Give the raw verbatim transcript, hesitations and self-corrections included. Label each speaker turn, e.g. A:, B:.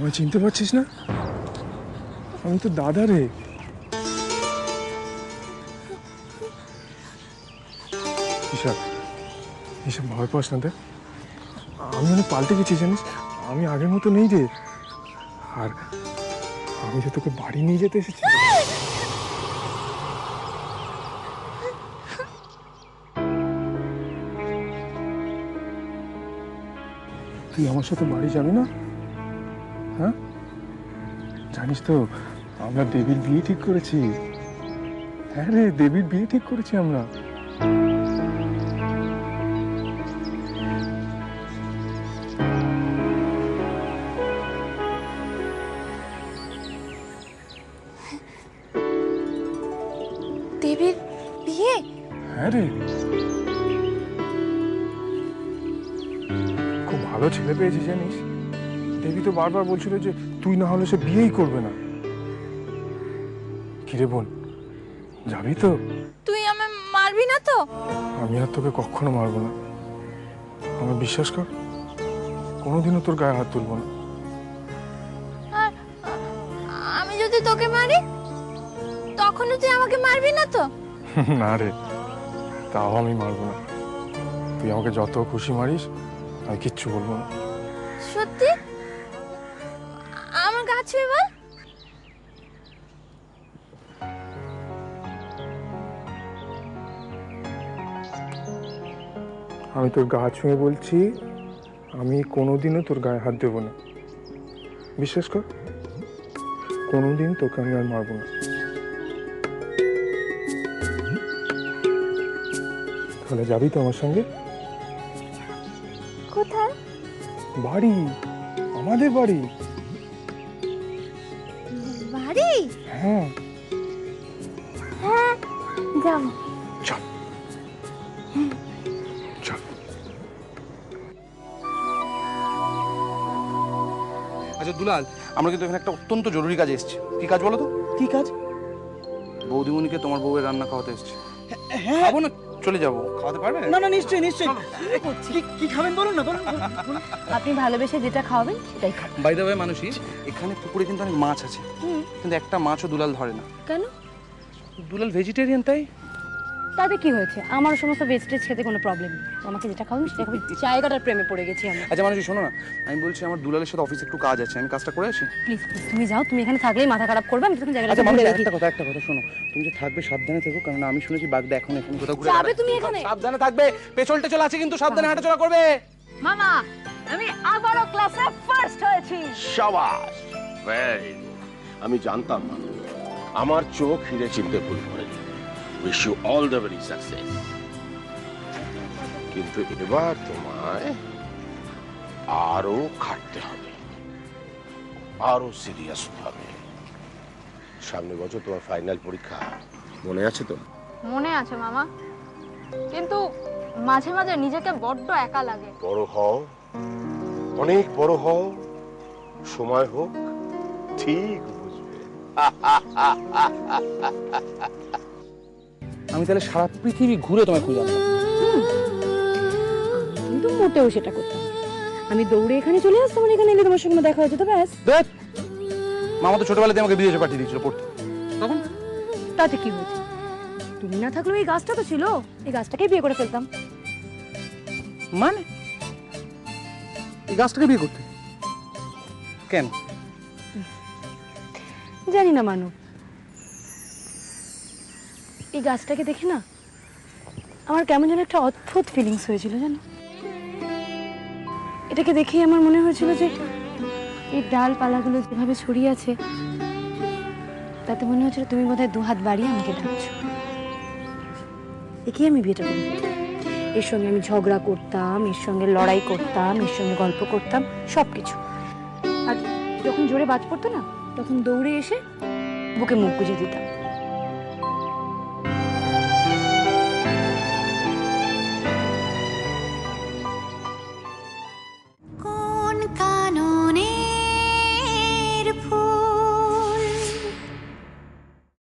A: আমায় চিনতে পারছিস না? আমি তো দাদা রে। ঈশা, ঈশা ভয় পাস না। দেখ আমি অনেক পাল্টে গেছি জানিস, আমি আগের মতো নেই রে। আর আমি যে তোকে বাড়ি নিয়ে যেতে এসেছি। তুই আমার সাথে বাড়ি যাবি না? হ্যাঁ, জানিস তো আমরা দেবীর বিয়ে ঠিক করেছি। হ্যাঁ রে, দেবীর বিয়ে ঠিক করেছি আমরা।
B: দেবীর বিয়ে?
A: হ্যাঁ রে, খুব ভালো ছেলে পেয়েছি জানিস। দেবী তো বারবার বলছিল যে তুই না হলে সে বিয়েই করবে না। কিরে বোন, যাবি তো?
B: তুই আমায় মারবি না তো?
A: আমি আর তোকে কখনো মারবো না, আমার বিশ্বাস কর। কোনোদিনও তোর গায়ে হাত তুলবো না।
B: আর আমি যদি তোকে মারি তখনও তুই আমাকে মারবি না তো?
A: না রে, তাও আমি মারবো না। তুই আমাকে যত খুশি মারিস, আমি কিচ্ছু বলবো না।
B: সত্যি? আমার গা ছুঁয়ে বল।
A: আমি তোর গা ছুঁয়ে বলছি, আমি কোনোদিনও তোর গায়ে হাত দেবো না। বিশ্বাস কর, কোনোদিন তোকে আমি আর মারবো না। তাহলে যাবি তো আমার সঙ্গে?
B: কোথায়?
A: বাড়ি, আমাদের বাড়ি।
B: বাড়ি?
A: হ্যাঁ
B: হ্যাঁ, যাবো।
A: চল চল।
C: আচ্ছা দুলাল, আমরা কিন্তু এখানে একটা অত্যন্ত জরুরি কাজে এসেছি। কি কাজ বলো তো?
D: কি কাজ?
C: বৌদিমণিকে তোমার বউয়ের রান্না খাওয়াতে এসেছি।
D: হ্যাঁ,
C: খাবো না, চলে যাবো। খাওয়াতে পারবে?
D: না না, নিশ্চয়ই নিশ্চয়ই। কি- কি খাবেন বলুন না, বলুন বলুন, বলুন।
B: আপনি ভালোবেসে যেটা খাওয়াবেন সেটাই খাবেন।
C: বাই দ্য ওয়ে মানুষই, এখানে পুকুরে কিন্তু অনেক মাছ আছে, কিন্তু একটা মাছও দুলাল ধরে না।
B: কেন?
C: দুলাল ভেজিটেরিয়ান, তাই।
E: তাতে কি হয়েছে? আমার সমস্ত ভেজিটেজ খেতে কোনো প্রবলেম নেই। আমাকে যেটা খাওয়াবেন সেটা খাবি। জায়গাটার প্রেমে পড়ে গেছি আমি।
C: আচ্ছা মানুষই শোনো না, আমি বলছি আমার দুলালের সাথে অফিসে একটু কাজ আছে, আমি কাজটা করে আসি।
E: প্লিজ প্লিজ তুমি যাও, তুমি এখানে থাকলেই মাথা খারাপ করবে। আমি তখন জায়গাটা
C: আচ্ছা
E: ঘুরে
C: মানুষ,
E: দেখি।
C: একটা কথা একটা কথা শোনো, তুমি যে থাকবে সাবধানে থেকো, কারণ আমি শুনেছি বাগদা এখন এখানে কোথাও ঘুরে
E: যাবে
C: বেড়াচ্ছে।
E: তুমি এখানে?
C: সাবধানে থাকবে, পেছল টেছল আছে কিন্তু, সাবধানে হাঁটাচলা করবে।
E: মামা, আমি আবারও ক্লাসে ফার্স্ট হয়েছি।
F: শাবাশ, ভেরি গুড। আমি জানতাম না, আমার চোখ হিরে চিনতে ভুল করেনি। Wish you all the very success. কিন্তু এবার তোমায় আরো খাটতে হবে, আরো সিরিয়াস হবে। সামনে বছর তোমার ফাইনাল পরীক্ষা, মনে আছে তো?
B: মনে আছে মামা, কিন্তু মাঝে মাঝে নিজেকে বড্ড একা লাগে।
F: বড় হও, অনেক বড় হও, সময় হোক, ঠিক বুঝবে।
C: আমি তাহলে সারা পৃথিবী ঘুরে তোমায় খুঁজে আনবো।
E: কিন্তু মোটেও সেটা করতাম না। আমি দৌড়ে এখানে চলে আসতাম, আর এখানে এলে তোমার সঙ্গে দেখা হয়ে যেত, ব্যাস।
C: দেখ, মামা তো ছোটবেলাতে আমাকে বিদেশে পাঠিয়ে দিয়েছিল পড়তে, তখন
E: তাতে কি হয়েছে? তুমি না থাকলেও এই গাছটা তো ছিল, এই গাছটাকেই বিয়ে করে ফেলতাম।
C: মানে এই গাছটাকে বিয়ে করতে কেন?
E: জানি না মানব, এই গাছটাকে দেখে না আমার কেমন যেন একটা অদ্ভুত ফিলিংস হয়েছিল জানো। এটাকে দেখেই আমার মনে হয়েছিল যে এই ডালপালাগুলো যেভাবে ছড়িয়ে আছে, তাতে মনে হচ্ছিল তুমি বোধহয় দু হাত বাড়িয়ে আমাকে ডাকছো। একেই আমি বিয়েটা করি। এর সঙ্গে আমি ঝগড়া করতাম, এর সঙ্গে লড়াই করতাম, এর সঙ্গে গল্প করতাম, সব কিছু। আর যখন জোরে বাজ পড়তো না, তখন দৌড়ে এসে বুকে মুখ গুজে দিতাম।